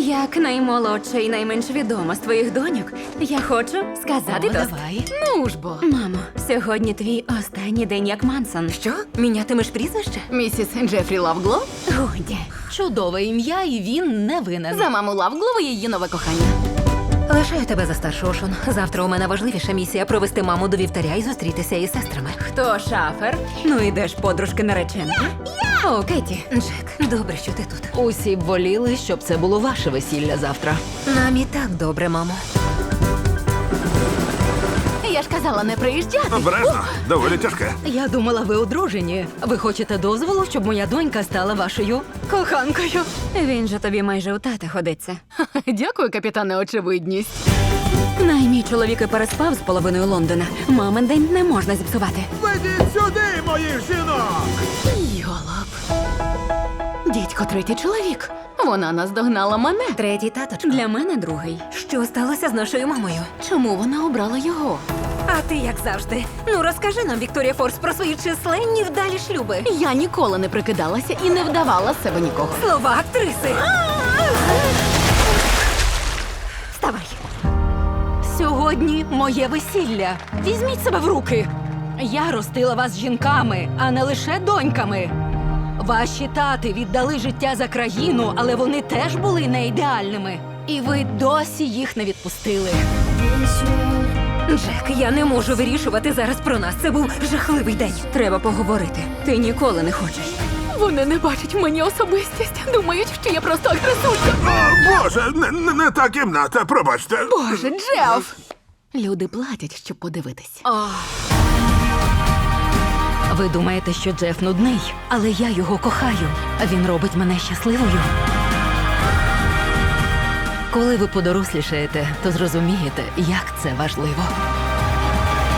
Як наймолодша і найменш відома з твоїх доньок, я хочу сказати тост. Давай. Ну ж бо. Мамо, сьогодні твій останній день як Мансон. Що? Мінятимеш прізвище? Місіс Джефрі Лавглов? Годі. Чудове ім'я, і він не винен. За маму Лавглова і її нове кохання. Лишаю тебе за старшу, Шон. Завтра у мене важливіша місія провести маму до вівтаря і зустрітися із сестрами. Хто шафер? Ну ідеш, подружки нареченки. О, Кеті. Джек, добре, що ти тут. Усі б воліли, щоб це було ваше весілля завтра. Нам і так добре, мамо. Я ж казала не приїжджати. Обережно, доволі тяжке. Я думала, ви одружені. Ви хочете дозволу, щоб моя донька стала вашою коханкою? Він же тобі майже у тата ходиться. Дякую, капітане очевидність. Наймій чоловік і переспав з половиною Лондона. Мамин день не можна зіпсувати. Ведіть сюди, моїх жінок! Йолоп. Дідько третій чоловік. Вона наздогнала мене. Третій таточко. Для мене другий. Що сталося з нашою мамою? Чому вона обрала його? А ти як завжди. Ну розкажи нам, Вікторія Форс, про свої численні вдалі шлюби. Я ніколи не прикидалася і не вдавала з себе нікого. Слова актриси. Вставай. Сьогодні моє весілля. Візьміть себе в руки. Я ростила вас жінками, а не лише доньками. Ваші тати віддали життя за країну, але вони теж були не ідеальними. І ви досі їх не відпустили. Джек, я не можу вирішувати зараз про нас. Це був жахливий день. Треба поговорити. Ти ніколи не хочеш. Вони не бачать в мені особистість. Думають, що я просто агресулька. О, Боже, не та кімната, пробачте. Боже, Джеф! Люди платять, щоб подивитись. Ви думаєте, що Джеф нудний, але я його кохаю. Він робить мене щасливою. Коли ви подорослішаєте, то зрозумієте, як це важливо.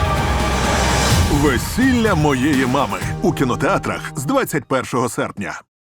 Весілля моєї мами у кінотеатрах з 21 серпня.